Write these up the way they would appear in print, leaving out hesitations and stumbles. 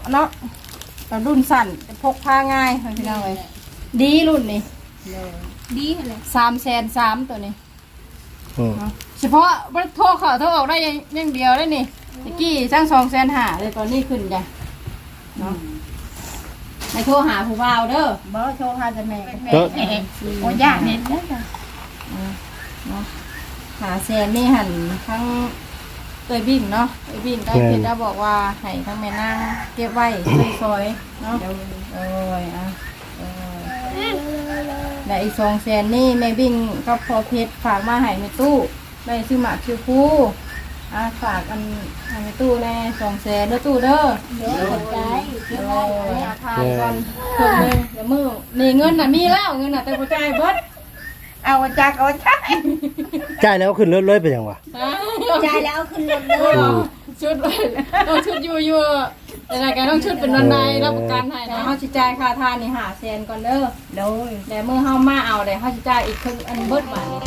เนาะแต่รุ่นสั่นพกพาง่ายพี่น้องเลยดีรุ่นนี้ดีเลย 300,003ตัวนี้เฉพาะโทรเข้าโทรออกได้อย่างเดียวได้นี่ตะกี้สร้าง250,000เลยตอนนี้ขึ้นจ้ะเนาะให้โทรหาผู้บ่าวเด้อบ่โทรหาแต่แม่โอ้ยากเน็ตเด้อจ้ะเนาะหาแซนนี่หันทั้งเตยบิ่งเนาะเตยบิ่งได้เพชรได้บอกว่าให้ทั้งแม่นางเก็บไว้ซอยเนาะได้อีก200,000นี่แม่บิ่งกับพอเพชรฝากมาให้แม่ตู้ได้ซื้อหมากคิวฟูฝากอันให้แม่ตู้แน่200,000เด้อตู้เด้อเดี๋ยวกดใจเดี๋ยวทานก่อนเพิ่มเลยเดี๋ยวมือนี่เงินน่ะมีแล้วเงินน่ะแต่บ่จ่ายเบิดเอาจากเอาจ่ายแล้วขึ้นรถเลยไปยังวะจ่ายแล้วขึ้นรถเลยชุดต้องชุดอยู่แต่รายการต้องชุดเป็นวันใดรับประกันให้นะเฮาสิจ่ายค่าทานนี่500,000ก่อนเด้อโดยแต่เมื่อเฮามาเอาได้เฮาสิจ่ายอีกครึ่งอันเบิดบาทนี้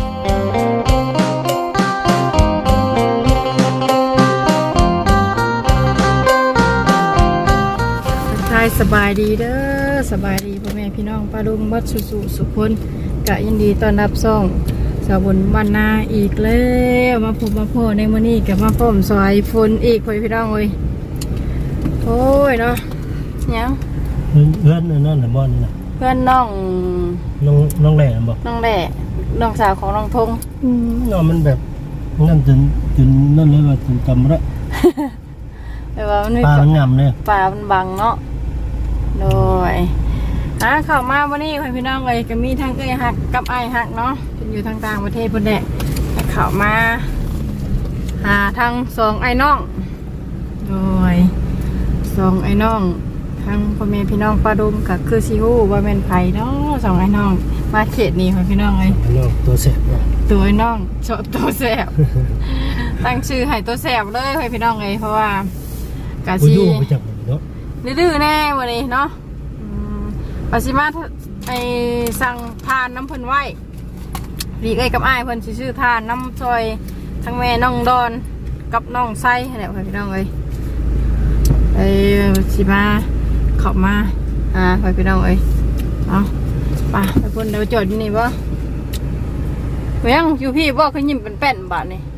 สบายดีเด้อสบายดีพ่อแม่พี่น้องป้าลุงบัดสุคนกะยินดีต้อนรับซ่องสาวบนบ้านนาอีกแล้วมาพบมาพ่อในมื้อนี้กับมาพร้อมซอยฝนอีกพ่อพี่น้องเอ้ยโอ้ยเนาะยังเพื่อนนั่นน่ะบ่นี่น่ะเพื่อนน้องแหล่บ่น้องแหล่น้องสาวของน้องทงเนาะมันแบบนั่นจนนั่นเลยว่าจนจำบ่ได้แต่ว่ามันป่ามันงามเลยป่ามันบังเนาะโดยเข้ามาวันนี้พี่น้องเลยก็มีทั้งเอ้ยหักกับไอ้หักเนาะเป็นอยู่ทางต่างประเทศพุ่นแหละเข้ามาหาทั้ง2ไอ้น้องโดย2ไอ้น้องทั้งพ่อแม่พี่น้องป้าดุมกับคือซิฮู้ว่าเป็นไผเนาะ2ไอ้น้องมาเขตนี้พี่น้องเลยตัวแสบตัวไอ้น้องตัวแสบตั้งชื่อให้ตัวแสบเลยพี่น้องเลยเพราะว่ากะซีดื้อแน่วันนี้เนาะปาซิมาไอสั่งทานน้ำเพิ่นไว้ดีเอ้ยกับอ้ายเพิ่นชื่อทานน้ำซอยทั้งแม่น้องดอนกับน้องไส้เนี่ยพี่น้องเลยไอซิมาเข้ามาพี่น้องเลยเอาไปเพิ่นเดี๋ยวจอดอยู่นี่บ่เวียงอยู่พี่บ่เขายิ้มเป็นแป้นบาทนี่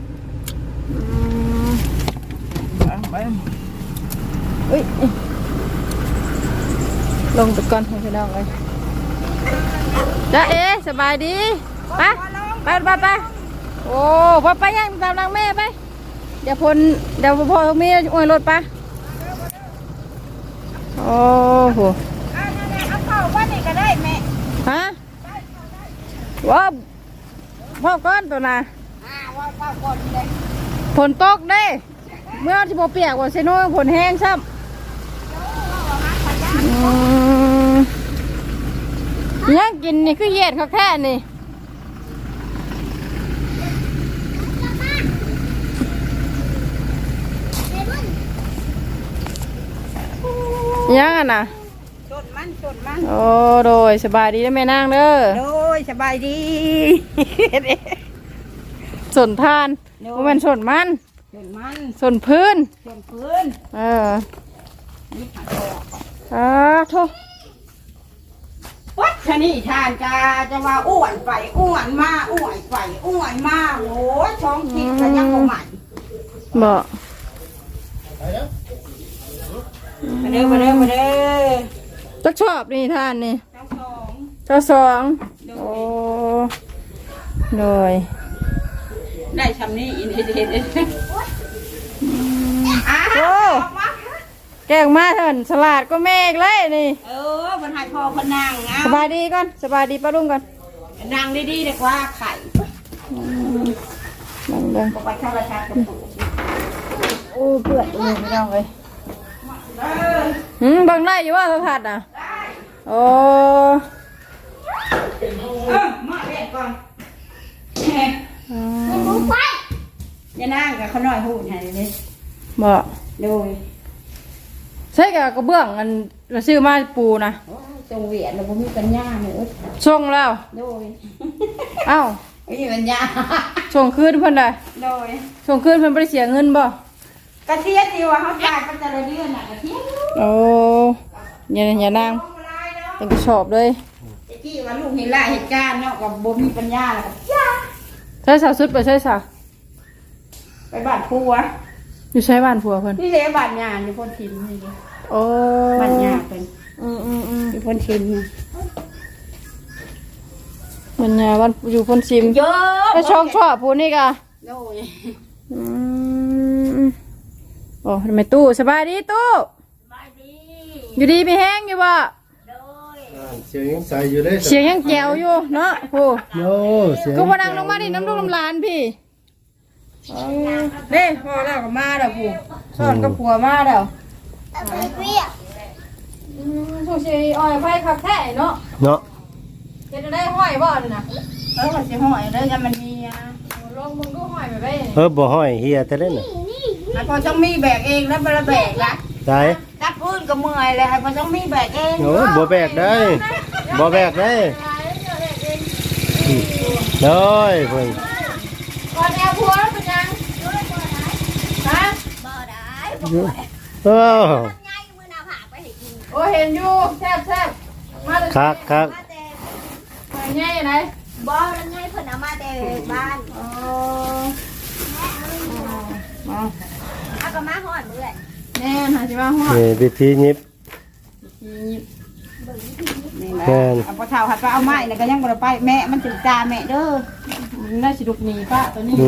ไปเอ้ยลงตะกอนให้พี่น้องเลยจ้าสบายดีไปโอ้ไปยังตามนางแม่ไปเดี๋ยวพ่อมีอวยรถไปโอ้โหเอาเข้าบ้านนี่ก็ได้แม่ฮะว้าพ่อก้อนตัวน่ะว่าเป้าก่อนเลยฝนตกได้เมื่อที่โมเปียกว่าเซโน่ฝนแห้งซ้ำยังกินนี่คือเย็ดเขาแค่นี่ยังอ่ะนะชนมันโอ้โดยสบายดีนะแม่นางเด้อโดยสบายดีสนทานมันสนมันสนพื้นโทษวัดชนีทานกาจะว่าอ้วนไปอ้วนมาอ้วนไปอ้วนมาโอ้ช่องคิดกันยังบ่ใหม่บ่มาเด้อจักชอบนี่ทานนี่เจ้าสองโอ้โดยได้ชำนี้อินเห็นโอ้แกงมาเถินสลัดก็เมฆเลยนี่มันหายพอพนังสบายดีก่อนสบายดีป้าลุงก่อนนางดีๆเด็กว่าไข่นั่งไปข้าวราชากับปู่โอ้เปื่อยเลยไม่ต้องเลยบังได้อยู่ว่าสัมผัสอ่ะโอ้มาเรียกก่อนอย่านั่งกับเขาหน่อยหูหายเลยบ่โดยใช่กับกระเบื้องอันเราซื้อมาปูนะจงเวียนเราไม่มีปัญญาเนอะช่วงแล้วโดยอ้าวไม่มีปัญญาช่วงคืนเพิ่นได้โดยช่วงคืนเพิ่นไม่ได้เสียเงินบ่กระเทียมดีว่าเขาจ่ายเป็นแต่ละเดือนน่ะกระเทียมโอ้อย่านางเป็นกระสอบเลยตะกี้ว่าลูกเห็นหลายเหตุการณ์เนาะกับบ่มีปัญญาแล้วก็ย่าใช่สาวสุดไปใช่สาวไปบ้านผัวอยู่ใช้บ้านผัวเพิ่นนี่เลยบ้านยาอยู่พ้นทิมนี่เลยโอ้บ้านยาเป็นอืมอยู่พ้นทิมมันวันอยู่พ้นซิมเยอะไอ้ช่องชอบพูนี่กะโอ้ยโอ้ทำไมตู้สบายดีตู้สบายดีอยู่ดีไม่แห้งอยู่บ่โดยเสียงยังใสอยู่เลยเสียงยังแจ๋วอยู่เนาะโอ้โยเสียงก็พนังลงมาดิน้ำลูกน้ำลานพี่เด้พอแล้วก็มาแล้วผู้สอนกับผัวมาแล้วช่วงชีอ้อยไฟขับแท้เนาะเนาะเห็นได้ห้อยบ่นี่นะมันสิห่อยเลยกันมันมีอ่ะลงมึงก็ห้อยไปไปบ่ห้อยเฮียแต่เล่นน่ะไอ้พอต้องมีแบกเองแล้วบ่ละแบกละได้กัดพื้นก็เมื่อยเลยไอ้พอต้องมีแบกเองโอ้บ่แบกได้บ่แบกได้เด้ยเพิ่นก่อนแอร์ผัวเป็นยังฮะโอ้โอ้เห็นอยู่แซ่บมาเลยคักง่ายไหนบ่แล้วไงเพิ่นเอามาแต่บ้าน เอาก็มาฮอดมื้อแหละแน่หาจิมาหัวนี่วิธีหยิบนี่แหละเอาพอเฒ่าหัดไปเอาไม้แล้วก็ยังบ่ได้ไปแม่มันถึงตาแม่เด้อน่าสิลุกหนีป้าตัวนี้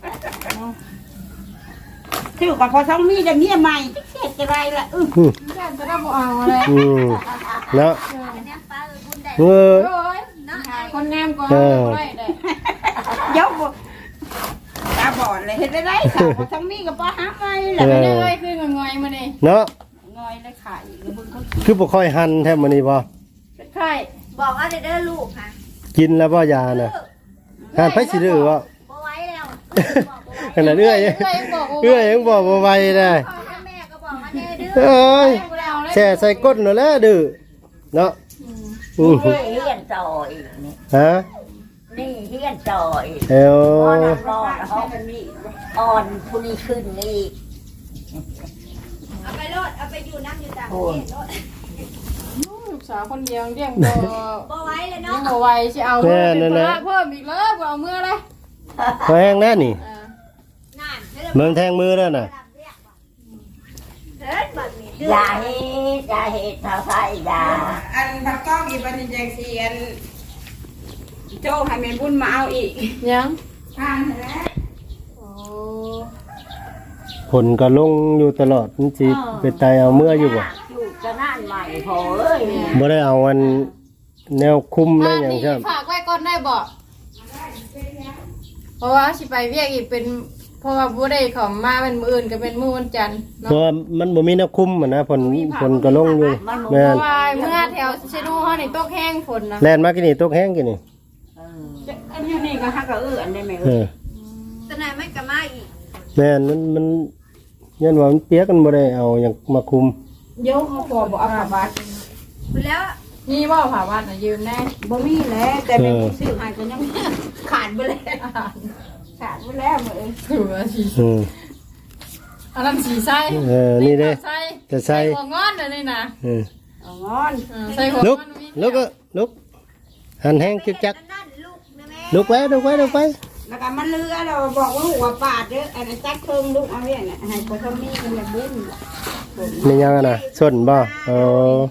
ชื่อกับพอต้องมีแต่เมียใหม่เฮ็ดจะไรล่ะแซ่บจะได้บ่เอาอะไรเนาะเออโอ้ยคนงามกว่าได้ได้ยกตาบอดเลยเฮ็ดได้ไรค่ะพอต้องมีกับบ่หาไม้แหละไม่ได้เลยคืองอยมานี่เนาะงอยเลยค่ะอีกแล้วมึงเขาคือบ่ค่อยหันแทบมื้อนี้บ่เป็นไข่บอกว่าเด้อลูกค่ะกินแล้วบ่ยาน่ะหันไปสิดื้อบ่บ่ไหว้แล้วขนาดเอื้อยยังบอกบ่ไหวได้พ่อแม่ก็บอกว่าเด้อเอ้ยแช่ใส่ก้นนั่นแหละดื้อเนาะเฮียนต่ออีกนี่ฮะนี่เฮียนต่ออีกเอวอ่อนห้องอ่อนผู้นี้ขึ้นอีกเอาไปโลดเอาไปอยู่น้ำอยู่ต่างประเทศโลดลูกสาวคนเดียวเลี้ยงบ่บ่ไหว้เลยเลี้ยเนาะงบ่ไหวสิเอาเพิ่มเพิ่มอีกเลยบ่เอาเมื่อเลยมาแห้งแน่นี่นั่นเมืองแทงมือแล้วน่ะเด้อบัดนี้อย่าเฮ็ดอย่าเฮ็ดถ้าไฟอย่าอันพักกล้องอีบันนี้จังซี่อันโจ้ให้แม่บุญมาเอาอีกยังผ่านแล้วโอ้ผลก็ลงอยู่ตลอดมันสิไปตายเอาเมื่ออยู่บ่อยู่จะนั่นใหม่พอเอ้ยบ่ได้เอาอันแนวคุมได้หยังครับฝากไว้ก่อนได้บ่เพราะว่าสิไปเวียกอีกเป็นเพราะว่าบ่ได้เข้ามาเป็นมื้ออื่นก็เป็นมื้อวันจันทร์เพราะว่ามันบ่มีแนวคุมอะนะผลก็ลงอยู่แม่เพนราะว่าเมื่อแถวเชนูเฮานี่ตกแห้งฝนนะแล่นมากินนี่ตกแห้งกินนี่อันนี้ก็ฮักก็อันได้แม่เออตะไหนไม่ก็มาอีกแม่นมันยันว่ามันเปียกกันบ่ได้เอาหยังมาคุมเดี๋ยวเขาขอบ่เอาผ้าบาดแล้วนี่บ่ผ้าบาดน่ะยืมแน่บ่มีแล้วแต่แม่ซื้อให้ก็ยังขาดไปแล้วขาดไปแล้วมื้อถือว่าสิอืมอันนั้นสีใส่นี่เด้ใส่จะใส่หัวงอนเลยนี่นะเออเอางอนใส่หัวงลุอก นมีลุกก็ลุกหันแห้งจึกจักนั่นลูกนะแม่ลุกไปลุกไปลุกไปแล้วก็มันเลือเราบอกว่าหัวปาดเด้ออันนั้นจักเพิ่มลูกเอาเนี่ยให้พอทำนี่มันจะบุ้นมียังอะนะส่วนบ่เออ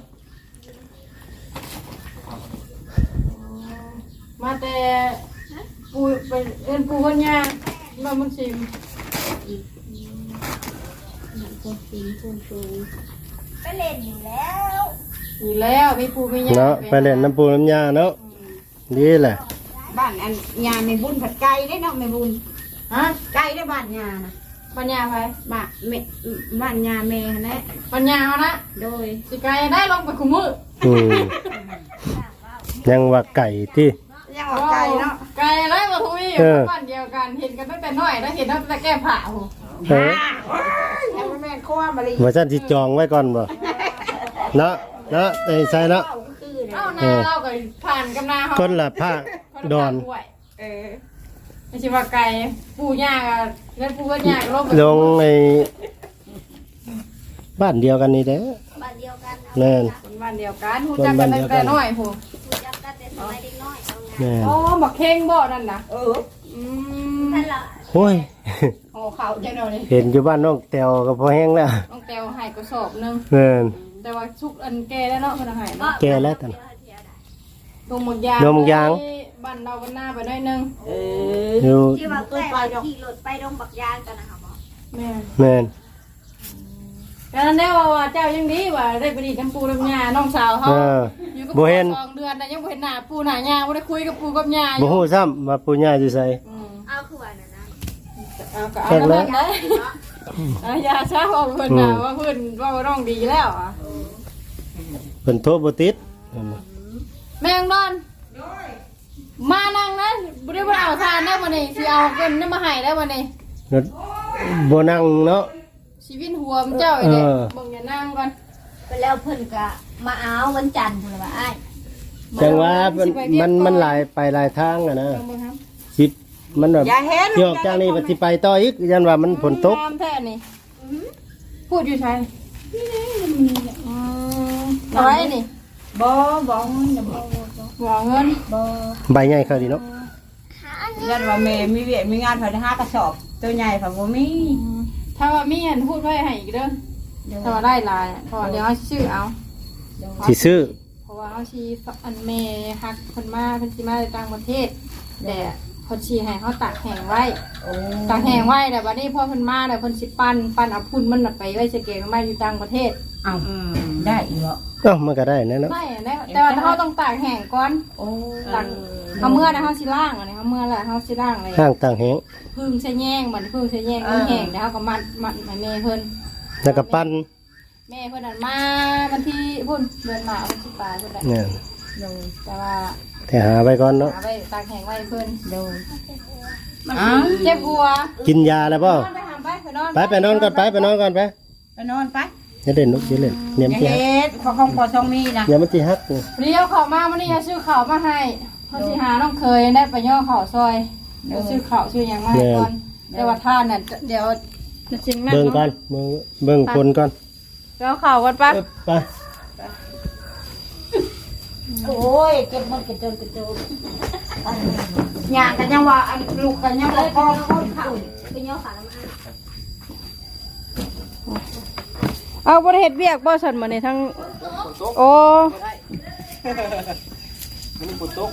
มาแต่ปูไปเอ็นปูคนยามามันชิมไปเล่นอยู่แล้วอยู่แล้วมีปูมียาเนาะไปเล่นน้ำปูน้ำยาเนาะดีแหละบ้านอันยาไม่บุญผัดไก่ได้เนาะไม่บุญฮะไก่ได้บ้านยานะปัญญาไปบ้านยาแม่นะปัญญาเอานะโดยสิไก่ได้ลงไปคุมืออืมยังว่าไก่ที่ยังว่าไก่เนาะไก่ได้มาทุยอยู่บ้านเดียวกันเห็นกันตั้งแต่น้อยแล้วเห็นตั้งแต่แก้ผ้าโอ้เออยังแม่ข้อมาเลยว่าฉันสิจองไว้ก่อนบ่เนาะเนาะไอ้ใส่เนาะเอาหน้าเราก็ผ่านกับหน้าเขาคนละภาคดอนเออไม่ใช่ว่าไก่ปูย่าก็เล่นปูก็ย่าก็ลงไปลงไอ้บ้านเดียวกันนี่แหละบ้านเดียวกันแม่นคนบ้านเดียวกันฮู้จักกันตั้งแต่น้อยผู้รู้จักกันแต่สมัยเด็กน้อยเอาไงแม่นอ๋อบักเข่งบ่นั่นน่ะ Ừ. นั่นล่ะโอ้ยห่อข้าวจังเนาะนี่เห็นอยู่บ้านน้องแตวก็พอแห้งแล้วน้องแต้วให้กระสอบหนึงแม่นแต่ว่าชุกอันแก่แล้วเนาะเพิ่นให้เนาะแก่แล้วตอนดงหมกยางดงหมกยางบ้านเราบ้านหน้าไปหน่อยหนึงอยู่ที่ว่าแม่ขี่รถไปดงบักยางกันนะคะหมอแม่แม่นแต่นั้นได้ว่าเจ้ายังดีว่าได้ไปดีน้ำปูน้ำยาน้องสาวเขาเอออยู่กับบ่ปู่เห็น 2 เดือนแต่ยังบ่เห็นหน้าปูหน้ายาบ่ได้คุยกับปูกับยาอบ่ยู่ฮู้ซ้ำว่าปู่ย่าอยู่ไสอืมเอาคือว่านั่นนะเอาก็เอาแล้วได้เอายาซะว่าเพิ่นน่ะว่าเพิ่นว่าน้องดีแล้วอ่ะเพิ่นโทรบ่ติดแม่งนอนมานั่งนะบ่ได้บ่เอาทานได้บ่นี่สิเอาเงินนำมาให้ได้บ่นี่แล้วบ่นั่งเนาะชีวิตหัวมันเจ้าอีเด้เออเบิ่งอย่านั่งก่อนไปแล้วเพิ่นก็มาเอาวันจันทร์พุ่นล่ะว่าอ้ายจังว่ามันหลายไปหลายทางอ่ะนะเบิ่งครับสิมันแบบอย่าเห็นที่ออกจากนี้ไปสิไปต่ออีกยันว่ามันฝนตกงามแท้นี่พูดอยู่ไสเอาไว้นี่บ่บ่เงินบ่บ่เงินบ่ใบใหญ่เขาดีเนาะยันว่าแม่มีเวียมีงานเพิ่น5กระสอบตัวใหญ่เพิ่นบ่มีถ้าว่ามีอันพูดไว้ให้อีกเด้อถ้าว่าได้หลายเพราะว่าเดี๋ยวเอาชื่อเอาสิซื้อเพราะว่าเอาชีอันเมฮักคนมาเพิ่นสิมาจากต่างประเทศแต่เพิ่นสิให้เขาตากแห้งไว้โอ้ตากแห้งไว้แต่บัดนี้พอเพิ่นมาแล้วเพิ่นสิปั้นเอาพุ่นมันน่ะไปไว้ใส่แกงมาอยู่ต่างประเทศเอาได้อีกบ่เอ้ามันก็ได้แน่เนาะได้อันนี้แต่ว่าเขาต้องตากแห้งก่อนโอ้ตากเขาเมื่อนะเขาสิล่างอันนี้เขาเมื่อแล้วเขาสิล่างเลยห้างต่างแหงพึ่งใส่แยงมันพึ่งใส่แยงมันแห้งแล้วเขาก็มัดแม่เพิ่นแล้วก็ปั้นแม่เพิ่นนั่นมาวันที่พุ่นเดือนหมาวันที่ปลายเพิ่นแหละเนี่ยแต่ว่าแต่หาไว้ก่อนเนาะหาไว้ตากแห้งไว้เพิ่นอ้าวเจ็บหัวกินยาแล้วเปล่านอนไปหาไปนอนไปนอนก่อนไปนอนก่อนไปไปนอนไปอย่าเล่นลูกอย่าเล่นเนี่ยอมันย่าสิฮักเฮ็ดของพอต้องมีนะอย่ามันสิฮักนี่เรียวเขามาวันนี้เอาชื่อเขามาให้เขาสิหาน้องเคยได้ไปย่อเขาซอยเดี๋ยวชื่อเขาชื่อหยังมาให้ก่อนแต่ว่าท่านน่ะเดี๋ยวจริงแม่เบิ่งก่อนเบิ่งคนก่อนเดี๋ยวเขาก่อนปะไปโอ้ยเก็บมันกระโจนย่างกันยังว่าอันลูกกันยังบ่พอคนเข้าเป็นย่อขาแล้วมาเอาบริเหตุเบียกบ่สันมาในทั้งโอ้มันฝนตก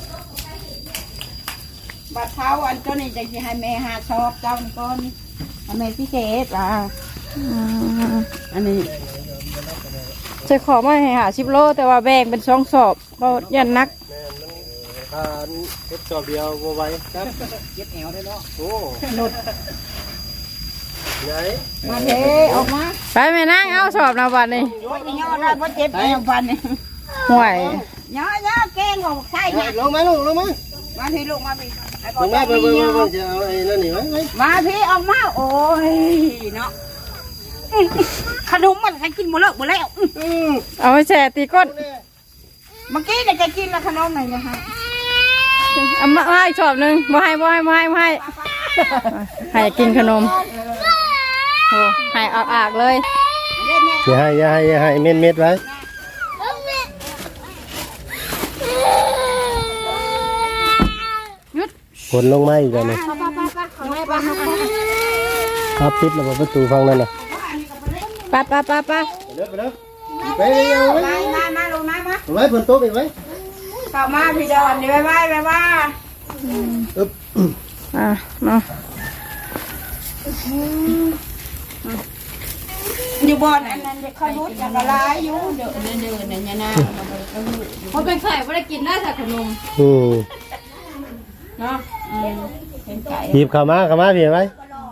บัดเท้าอันเจ้านี่จะสิให้แม่หาชอบเจ้านี่ก่อนให้แม่พิเศษอันนี้จะขอมาให้หา10 โลแต่ว่าแบ่งเป็น2 สอบก็ยันนักทานเฮ็ดจอบเดียวบ่ไหวครับเก็บแอวได้เนาะโอ้หลุดใหญ่มาเทออกมาไปแม่นั่งเอาสอบนะบัดนี้บ่ย่อได้บ่เจ็บแอวพันนี่ห่วยย่อเก่งของใช่ไปนะลงมาลูกลงมามาพี่ลูกมาพี่ลงมาเบิ่งจะเอาไอ้นั่นนี่ไว้มาพี่ออกมาโอ้ยเนาะขนมมันใครกินหมดแล้วหมดแล้วเอาไปแช่ตีก้นเมื่อกี้เนี่ยจะกินแล้วขนมไหนนะคะเอามาให้สอบหนึงบ่ให้ให้กินขนมโอ้ให้อากๆเลยเล่นเนี่ยอย่าให้เม็ดไว้หยุดฝนลงมาอีกแล้วนี่เอาไปครับปิดแล้วประตูฟังนั่นน่ะไปไปเด้อไปเอาไว้มาลงมามาไว้ฝนตกอีกไว้เข้ามาพี่ดอนนี่ไปอึ๊บอ่ะเนาะอยู่บ่อนอันนั้นเขารู้จักละลายอยู่เดินเนี่ยนะเขาเป็นไข่ไม่ได้กินได้แต่ขนมอืมเนาะเป็นไก่หยิบเข้ามาพี่ไว้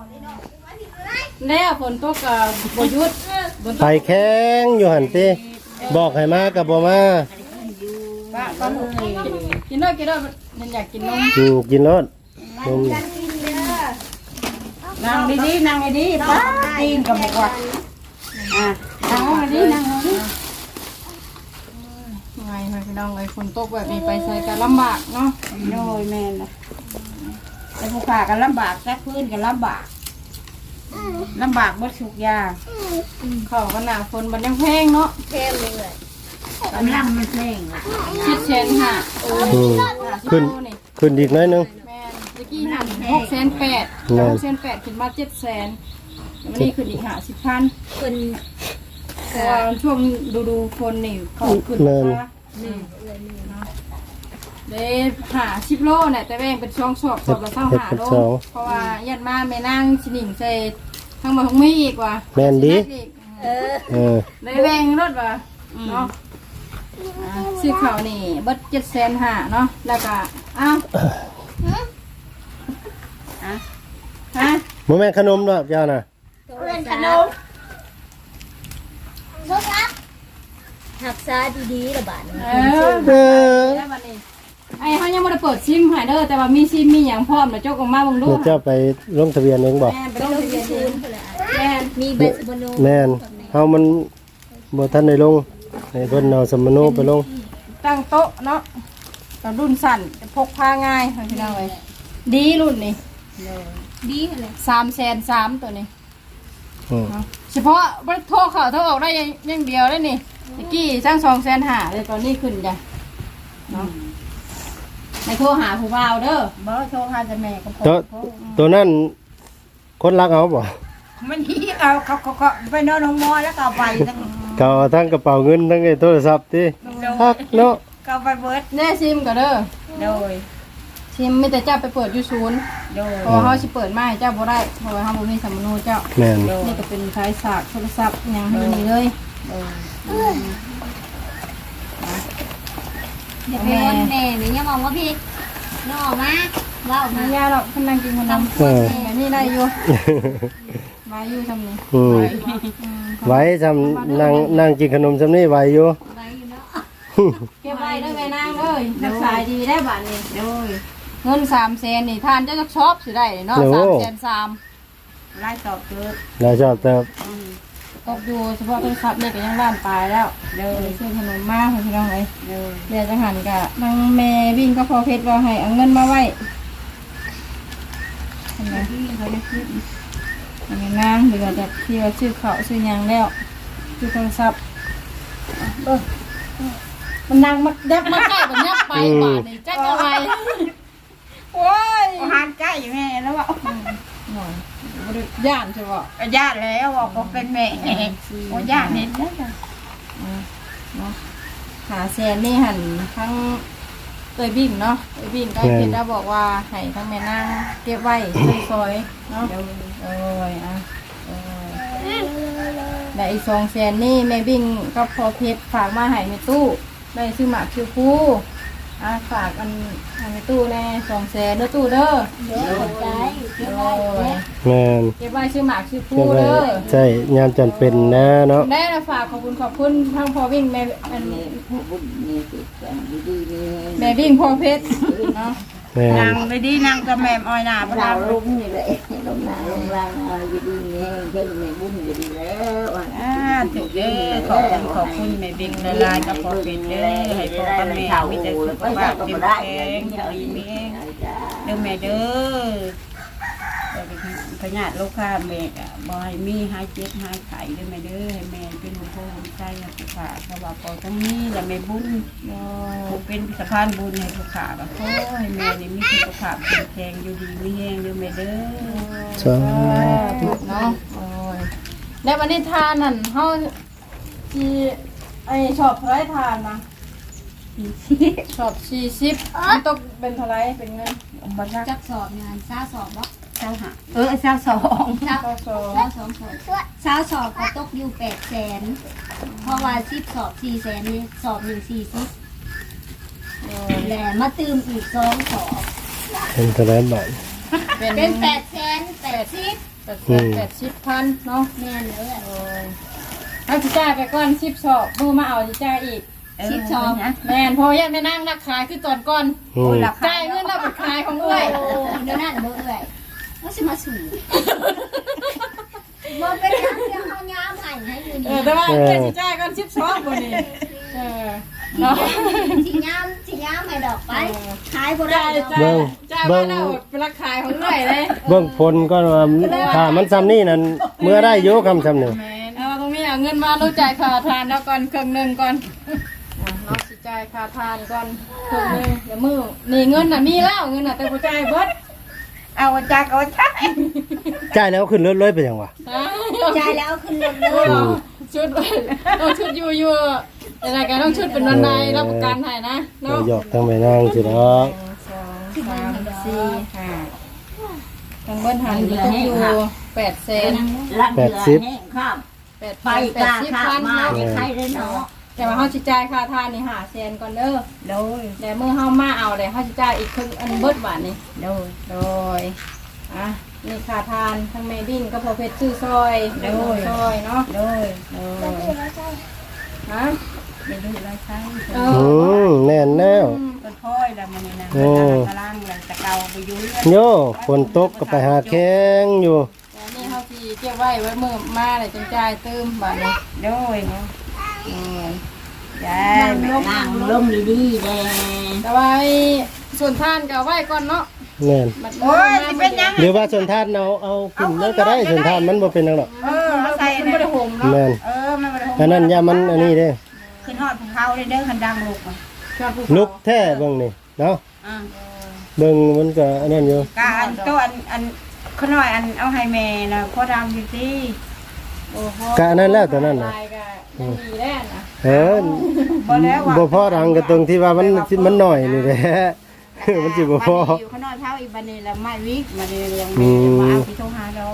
แล้วฝนตกกับบยุทธ์ฝนตไปกแข้งอยู่หันติบอกให้มากับบ่มาป้าก็ลูกนี่กินด้วยมันอยากกินนมกินรถนมนั่งดีๆป้าตีนกับบอกว่านั่งดีๆไงพี่น้องไอ้ฝนตกแบบนี้ไปใส่กันลำบากเนาะโน้ยแม่นะแต่ผู้ขากันลำบากแท้พื้นกันลำบากลำบากบ่ทุกอย่างเขาก็หนาฝนบันยังแพงเนาะเทมเลยกำลังมันแห้งอ่ะชิดเชนค่ะขึ้นขึ้นอีกหน้อยนึงแม่นตะกี้หัน6,800 6,800ขึ้นมา700,000วันนี้ขึ้นอีก50,000 คนเพราะว่าช่วงดูคนนี่เขาขึ้นมาได้50 โลเนี่ยแต่แบ่งเป็นช่องสอบละ25 โลเพราะว่ายัดมาแม่นั่งชินิ่งใส่ทั้งหมดของมีอีกว่ะแม่นดีได้แบ่งรถว่ะเนาะซื้อข้าวนี่เบิด750,000เนาะแล้วก็อ้าวฮะบ่แม่นขนมดอกเจ้าน่ะเล่นขนมลูกรักหักษาดีๆระบาดเออแล้วบัดนี้ไอ้เขายังไม่ได้เปิดซิมให้เด้อแต่ว่ามีซิมมีหยังพร้อมแล้วเจ้าก็มาเบิ่งดูเดี๋ยวเจ้าไปลงทะเบียนเองบ่แม่นไปต้ลองงทะเบียนคืเองนเลยแม่นมีใบสมโนแม่นเฮามันบ่ทันได้ลงให้เพิ่นเอาสมโนไปลงตั้งโต๊ะเนาะแต่รุ่นสั่นพกพาง่ายพี่น้องเอ้ยดีรุ่นนี้ดีเลย 330,000ตัวนี้อืมเฉพาะบ่โทรเข้าโทรออกได้อย่างเดียวได้นี่ตะกี้สร้าง250,000เลยตอนนี้ขึ้นจ้ะเนาะในโทรหาผู้บ่าวเด้อบ่โทรหาแต่แม่ก็พอตัวนั้นคนรักเอาบ่มันนี่เขาไปนอนห้องหมอแล้วก็ไปทั้งก็เอาทั้งกระเป๋าเงินทั้งไอ้โทรศัพท์ติฮักเนาะก็ไปเบิดแน่ซิมก็เด้อโดยซิมมีแต่เจ้าไปเปิดอยู่ศูนย์โดยเพราะว่าเขาสิเปิดมาให้เจ้าบ่ได้เพราะว่าเฮาบ่มีสำมโนเจ้าแม่นนี่ก็เป็นสายสากโทรศัพท์หยังอยู่นี่เลยเดี๋ยวไปวนแม่หรือยังมองว่าพี่น้องมาว่าออกมามาย่าหรอกเพิ่นนั่งกินขนมเอออันนี้ได้อยู่มาอยู่ทำนี่อืมไว้จำนั่งกินขนมซำนี้ไว้อยู่ไว้อยู่เนาะเก็บไว้เด้อแม่นางเอ้ยรักษาดีได้บัดนี้โดยเงิน300,000นี่ทานเจ้าจักชอบสิได้เนาะ300,000 ไล่ตอบเกิดน่าชอบแต่ตกอยู่เฉพาะโทรศัพท์นี่ก็ยังล้านปลายแล้วเด้อซื้อขนมมาให้พี่น้องเอ้ยโดยเดี๋ยวจะหันกะนางแม่วิ่งก็พอเพชรว่าให้เอาเงินมาไว้เห็นไหมเขาจะคิดอันนี้นางเดี๋ยวจะที่ว่าชื่อเขาชื่อหยังแล้วชื่อโทรศัพท์มันนางมายับมาใกล้แบบยับไปบาดนี่จักเอาไว้โอ้ยอาหารใกล้แม่แล้วว่าหน่อยบริย่านใช่ป่ะญาติแล้วว่าก็เป็นแม่โอ้ญาติเห็นแล้วจ้ะเนาะหาแซนนี่หันทั้งเตยบินเนาะเตยบินก็เพชรได้บอกว่าให้ทั้งแม่นางเก็บไว้ซอยเนาะ โอ้ยอ่ะได้อีก200,000นี่แม่บิ่งก็พอเพชรฝากมาให้ในตู้ได้ซื้อหมากคิวฟูฝากอันให้ในตู้แน่200,000เด้อตู้เด้อเดี๋ยวใจเดี๋ยวโอ้ยแม่นเก็บไว้ซื้อหมากคิวฟูใช่ไหมเด้อใช่ยามจํเป็นนะเนาะได้นะฝากขอบคุณทั้งพอวิ่งแม่อันแม่บิ่งพอเพชรเนาะแม่นางไปดีนางกับแม่อ้อยหน้าพเราลังลุ่มนี่แหละลงหนาลงล่างเอาอยู่ดีนี่เพิ่งในบุญอยู่ดีแล้วอ่ะถูกเด้อขอบคุณแม่บิ๊กละลายกับพ่อเป็นเด้อให้พ่อกับแม่มีแต่สุขภาพเข้มแข็งดีมีเด้อแม่เด้อพญาติลูกค้าแม่ก็บ่ให้มีหายเจ็บหายไข้เด้อแม่เด้อให้แม่เป็นผู้ผู้ใจให้ผู้ขาสวัสดิ์พอทั้งนี้และแม่บุญผู้เป็นสะพานบุญให้ผู้ขาก็ขอให้แม่นี่มีสุขภาพเข้มแข็งอยู่ดีมีแรงเด้อแม่เด้อสาธุเนาะโอ้ยแล้ววันนี้ทานนั่นเฮาที่ไอ้ชอบเท่าไรทานนะชอบ40มันตกเป็นเท่าไรเป็นเงินบ่ซักจักสอบงานซ่าสอบบ่เจ้าหาเจ้าสองซ่าก็สองซ่าสองสอบซ่าสอบก็ตกอยู่800,000เพราะว่า10สอบ400,000นี่สอบ140แหละมาตื่มอีก2สอบเป็นเท่าไหร่บาทเป็น880 80,000เนาะแม่นเลยโอ้ยเอาสิจ่ายไปก่อน10สอบมือมาเอาสิจ่ายอีก 10สอบแม่นพอยังไม่นั่งนักขายคือตอนก่อนอืมจ่ายเงินเราไปขายของเอ้ยเดี๋ยวนั่นเบิ่งเอ้ยว่าสิมาสู่บ่เป็นหยังเรื่องเฮายามให้อยู่นี่แต่ว่าเอ้ยสิจ่ายก่อน10สอบบ่นี่เนาะสิยามให้ดอกไปขายบ่ได้ดอกเบิ่งจ้าเบิ่ว่าง น่าอดเป็นราคายของหน่อยเลยเบิ่งผลก็ว่าถ้ามันซ้ำนี่นั่นเมื่อได้อยู่คำซ้ำนี่เอาตรงนี้เอาเงินมารู้จ่ายค่าทานแล้วก่อนครึ่งหนึงก่อนเราสิจ่ายค่าทานก่อนครึ่งหนึงเดี๋ยวมือนี่เงินน่ะมีแล้วเงินน่ะแต่บ่จ่ายเบิดเอาจากเอาจากจ่ายแล้วขึ้นรถเลยไปยังวะจ่ายแล้วเอาขึ้นรถเลยชุดต้องชุดอยู่อะไรกันต้องชุดเป็นวันใดรับประกันให้นะเราเนาะหยอกทั้งไปนั่งสิเนาะ 2 3 4 5ทั้งเบิ้ลหันอยู่ต้องอยู่800,000 80 ไปกล้าข้ามาใครเลยเนาะแต่ว่าเฮาสิจ่ายค่าทานนี่500,000ก่อนเด้อโดยแต่เมื่อเฮามาเอาได้เฮาสิจ่ายอีกครึ่งอันเบิดบาทนี่โดยโดยอ่ะนี่ค่าทานทั้งแม่บิ้นก็พอเพชรซื้อซอยโดยซอยเนาะโดยโดยฮะไม่ดูไรใช่เอแน่นแล้วต้นพ้อยแล้วมันนี่นะกำลังเลยตะเกาไปยุ่ยโยฝนตกก็ไปหาแข้งอยู่แต่นี่เขาสิเก็บไว้มือมาเลยจังจ่ายเติมบาทนี้โดยยานั่งลงดีๆแดงแต่ว่าไอ้ส่วนท่านก็เอาไว้ก่อนเนาะแน่นบัดโอ้ยสิเป็นยังหรือว่าส่วนทานเอาขึ้นแล้วก็ได้ส่วนทานมันบ่เป็นหยังหรอกเขาใส่มันบ่ได้ห่มเนาะแม่นมันไม่ได้อันนั้นยามันอันนี้เด้ขึ้นหอดภูเขาเลยเด้อคันดังลูกชอบภูลุกเขาแท้เบิ่งนี่เนาะอ่าเบิ่งมันก็อันนั้นอยู่กอันตัวอันขน่อยอันเอาให้แม่นะพ่อดำอยู่ที่โอ้โหกะอันนั้นแล้วตัวนั้นน่ะลายก็ยังดีแน่นะบ่แล้วว่าบ่พอดังก็ตรงที่ว่ามันน้อยนี่แหละ มันสิบ่พออยู่ขน่อยเท่าอีบันนี่แล้วไม่วิกมาเลยยังแม่มาเอาที่โทรหาดอก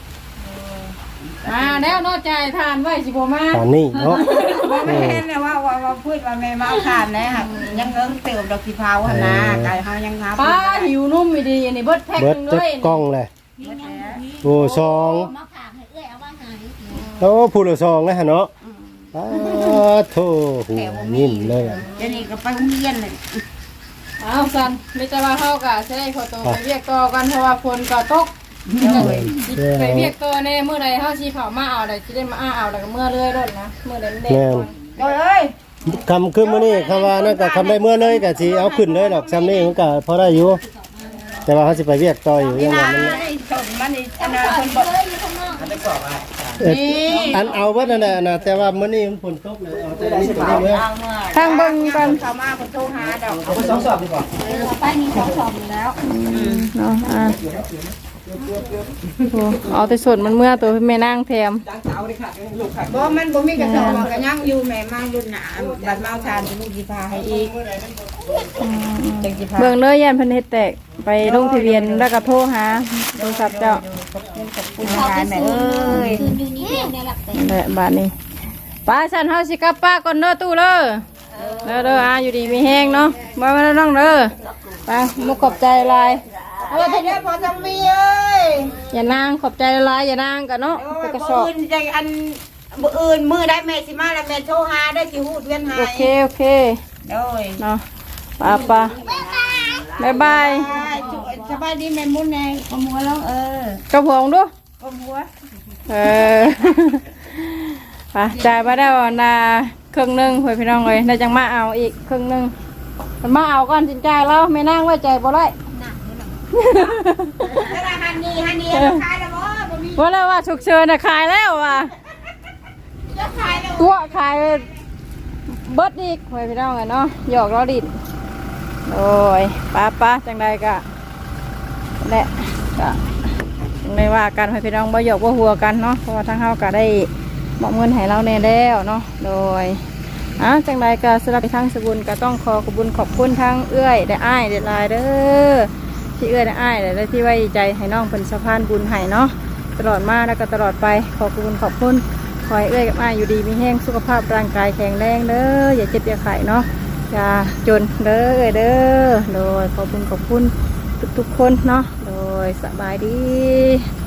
แล้วนอกใจทานไว้สิบ่มาตอนนี้เนาะว่าไม่เห็นเลยว่าพูดว่าแม่มาเอาทานนะค่ะยังเอิ้งเติมดอกสีเผาหั่นนะกายเฮายังหาป้าหิวนุ่มไม่ดีอันนี้เบิดแพ็คเบิดนึงจัเลกยกล้องแหละโอ้ซองมาฝากให้เอ้ยเอามาให้โอ้ผู้ละซองนะฮะเนาะโธ่หูนิ่มเลยเดี๋ยวนี้ก็ไปโรงเรียนเลยเอาสันไม่จะว่าเฮากะสิได้ขอตัวไปเรียกต่อกันเพราะว่าฝนก็ตกไปเรียกต่อแน่มื้อใดเฮาสิเข้ามาเอาได้สิได้มาเอาแล้วก็เมื่อเรื่อยรถนะมื้อใดมันแดดก่อนเอ้ยคำขึ้นมื้อนี้คำว่านั่นก็คำได้เมื่อเลยก็สิเอาขึ้นเลยดอกซ้ำนี้มันก็พอได้อยู่ แต่ว่าเขาสิไปเรียกต่ออยู่ยังไงมันส่งมันนี่อันนั้นคนบอกอันเอาไว้นั่นแหละนะแต่ว่ามื้อนี้มันฝนตกเลยเอาแต่นี้ไปได้เมื่อทางเบิ่งก่อนเขามาคนโทรหาดอกไปมีของสอบอยู่แล้วเนาะเอาแต่ส่วนมันเมื่อตัวแม่นางแถมบ่มันบ่มีกระสอบก็ยังอยู่แม่มารุ่นหนาบัดมาเอาทานจะลูกสิพาให้อีกจังสิพาเบิ่งเลยยันเพิ่นเฮ็ดแตกไปลงทะเบียนแล้วก็โทรหาโทรศัพท์เจ้าคุณทานแม่เอ้ยคืนอยู่นี่เองเนี่ยแหละแต่นั่นแหละบาดนี้ป้าฉันเฮาสิกลับป้าก่อนเด้อตู้เด้อเด้ออยู่ดีมีแห้งเนาะบ่มาน้องเด้อไปมุกขอบใจหลายทีนี้พอจะมีเอ้ยอย่านางขอบใจหลายอย่านางกันเนาะไปกระสอบอื่นใจอันอื่นมือได้แม่สิมาแล้วแม่โทรหาได้สิฮู้เวียนหาโอเคโดยเนาะป้าบ๊ายบายสบายดีแม่มุนแน่ขโมยแล้วกระพงดูขโมยไปจ่ายมาได้วันละครึ่งหนึงเพื่อนพี่น้องเลยได้จังมาเอาอีกครึ่งหนึงมันมาเอาก่อนจินจ่ายแล้วไม่นั่งไว้ใจบ่ได้ฮันนี่ขายแล้วบ่มีว่าแล้วว่าฉุกเฉินน่ะขายแล้วว่ะจะขายแล้วตัวขายเบิดอีกเพื่อนพี่น้องเลยเนาะหยอกล้อดินโอ้ยป้าจังใดกะแหละก็ไม่ว่ากันเพื่อนพี่น้องบ่หยอกบ่หัวกันเนาะเพราะว่าทางเฮาก็ได้มอบเงินให้เราแน่แล้วเนาะโดยจังใดก็สำหรับทางสกุลก็ต้องขอบคุณทั้งเอื้อยได้อ้ายได้ลายเด้อที่เอื้อยได้อ้ายได้ที่ไว้ใจให้น้องเป็นสะพานบุญให้เนาะตลอดมาแล้วก็ตลอดไปขอบคุณขอให้เอื้อยกับอ้ายอยู่ดีมีแห้งสุขภาพร่างกายแข็งแรงเด้ออย่าเจ็บอย่าไข้เนาะอย่าจนเด้อเด้อโดยขอบคุณทุกๆคนเนาะโดยสบายดี